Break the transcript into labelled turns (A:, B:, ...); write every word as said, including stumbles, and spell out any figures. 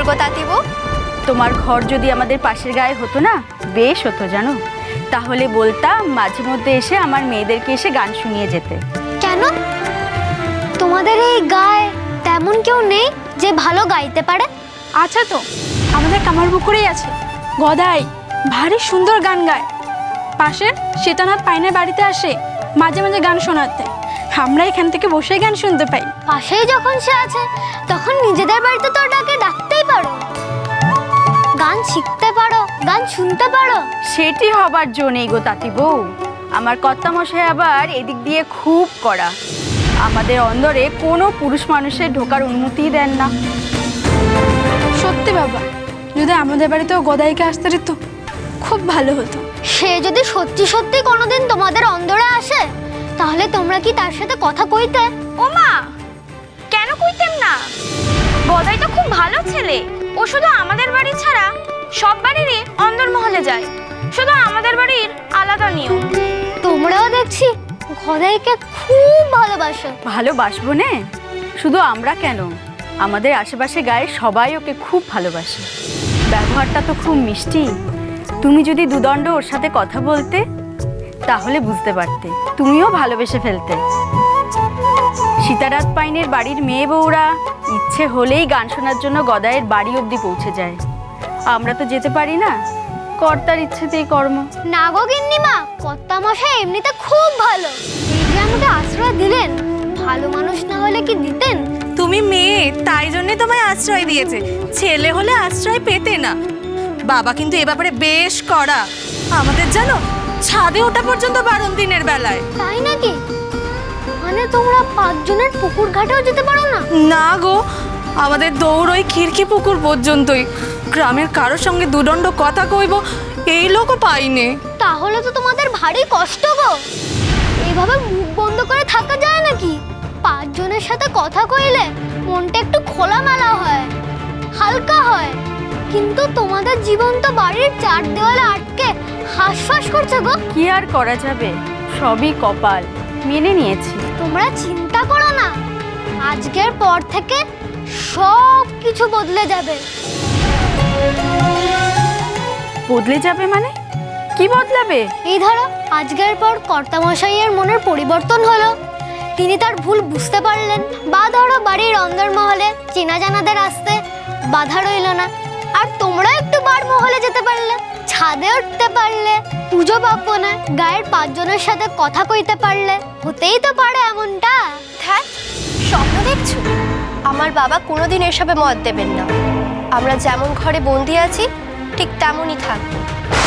A: সুন্দর গো তাঁতিবু।
B: তোমার ঘর যদি আমাদের পাশের গায়ে হতো না, বেশ হতো জানো। তাহলে বলতাম মাঝে মধ্যে এসে আমার মেয়েদেরকে এসে গান শুনিয়ে যেতে।
A: কেন, তোমাদের এই গায়ে তেমন কেউ নেই যে ভালো গাইতে পারে?
C: আচ্ছা তো, আমাদের কামারপুকুরেই আছে গদাই, ভারী সুন্দর গান গায়। পাশে সীতানাথ পাইনের বাড়িতে আসে মাঝে মাঝে গান শোনাতে। আমরা এখান থেকে বসে গান শুনতে পাই।
A: পাশেই যখন সে আছে তখন নিজেদের বাড়িতে তো ওটাকে ডাকতেই পারো, গান শিখতে পারো, গান শুনতে পারো।
B: সেটি হবার জো নেই গো তাঁতি বউ। আমার কর্তামশাই আবার এদিক দিয়ে খুব কড়া। আমাদের অন্দরে কোনো পুরুষ মানুষের ঢোকার অনুমতিই দেন না।
C: সত্যি বাবা, যদি আমাদের বাড়িতেও গদাইকে আসতে দিত খুব ভালো হতো।
A: সে যদি সত্যি সত্যি কোনোদিন তোমাদের অন্দরে আসে তাহলে তোমরা কি তার সাথে কথা কইতে?
D: ও মা, কেন কইতেম না? গদাই তো খুব ভালো ছেলে। ও শুধু আমাদের বাড়ি ছাড়া সব বাড়িরই অন্দরমহলে যায়, শুধু আমাদের বাড়ির আলাদা নিয়ম।
A: তোমরাও দেখছি গদাইকে খুব ভালোবাসো।
B: ভালোবাসবো নে, শুধু আমরা কেন, আমাদের আশেপাশে গায়ে সবাই ওকে খুব ভালোবাসে। ব্যবহারটা তো খুব মিষ্টি। তুমি যদি দুদণ্ড ওর সাথে কথা বলতে তাহলে বুঝতে পারতে, তুমিও ভালোবেসে ফেলতে। সীতানাথ পাইনের বাড়ির মেয়ে বউরা ইচ্ছে হলেই গান শোনার জন্য গদাইয়ের বাড়ি অবধি পৌঁছে যায়। আমরা তো যেতে পারি না, কর্তার ইচ্ছেতেই কর্ম।
A: না গো গিন্নিমা, কর্তামশাই এমনিতে খুব ভালো। এই যে আমাকে আশ্রয় দিলেন, ভালো মানুষ না হলে কি দিতেন?
E: তুমি মেয়ে, তাই জন্যই তোমায় আশ্রয় দিয়েছে, ছেলে হলে আশ্রয় পেতে না। বাবা কিন্তু এ ব্যাপারে বেশ কড়া। আমাদের জানো ছাদে ওঠা পর্যন্ত বারণ দিনের বেলায়।
A: তাই নাকি? মানে তোমরা পাঁচজনের পুকুর ঘাটেও যেতে পারো না?
E: না গো, আমাদের দৌড় ওই খিড়কি পুকুর পর্যন্তই। গ্রামের কারোর সঙ্গে দুদণ্ড কথা কইব এই লোকও পাইনে।
A: তাহলে তো তোমাদের ভারী কষ্ট গো। এইভাবে মুখ বন্ধ করে থাকা যায় নাকি? পাঁচজনের সাথে কথা কইলে মনটা একটু খোলামেলা হয়, হালকা হয়। কিন্তু তোমাদের জীবন তো বাড়ির চার দেওয়ালে আটকে হাঁসফাঁস করছে গো।
B: কি আর করা যাবে, সবই কপাল, মেনে নিয়েছি।
A: তোমরা চিন্তা করো না, আজকের পর থেকে সব কিছু বদলে যাবে।
B: বদলে যাবে মানে? কি বদলাবে?
A: এই ধরো, আজকের পর কর্তামশাইয়ের মনের পরিবর্তন হলো, তিনি তার ভুল বুঝতে পারলেন। বা ধরো বাড়ির অন্দরমহলে চেনা জানাদের আসতে বাধা রইল না, আর তোমরা একটু বার মহলে যেতে পারলে, ছাদে উঠতে পারলে, পুজো পার্বণে গায়ের পাঁচজনের সাথে কথা কইতে পারলে। হতেই তো পারে এমনটা।
D: হ্যাঁ, স্বপ্ন দেখছো? আমার বাবা কোনোদিন এসবে মত দেবেন না। আমরা যেমন ঘরে বন্দি আছি ঠিক তেমনই থাকবো।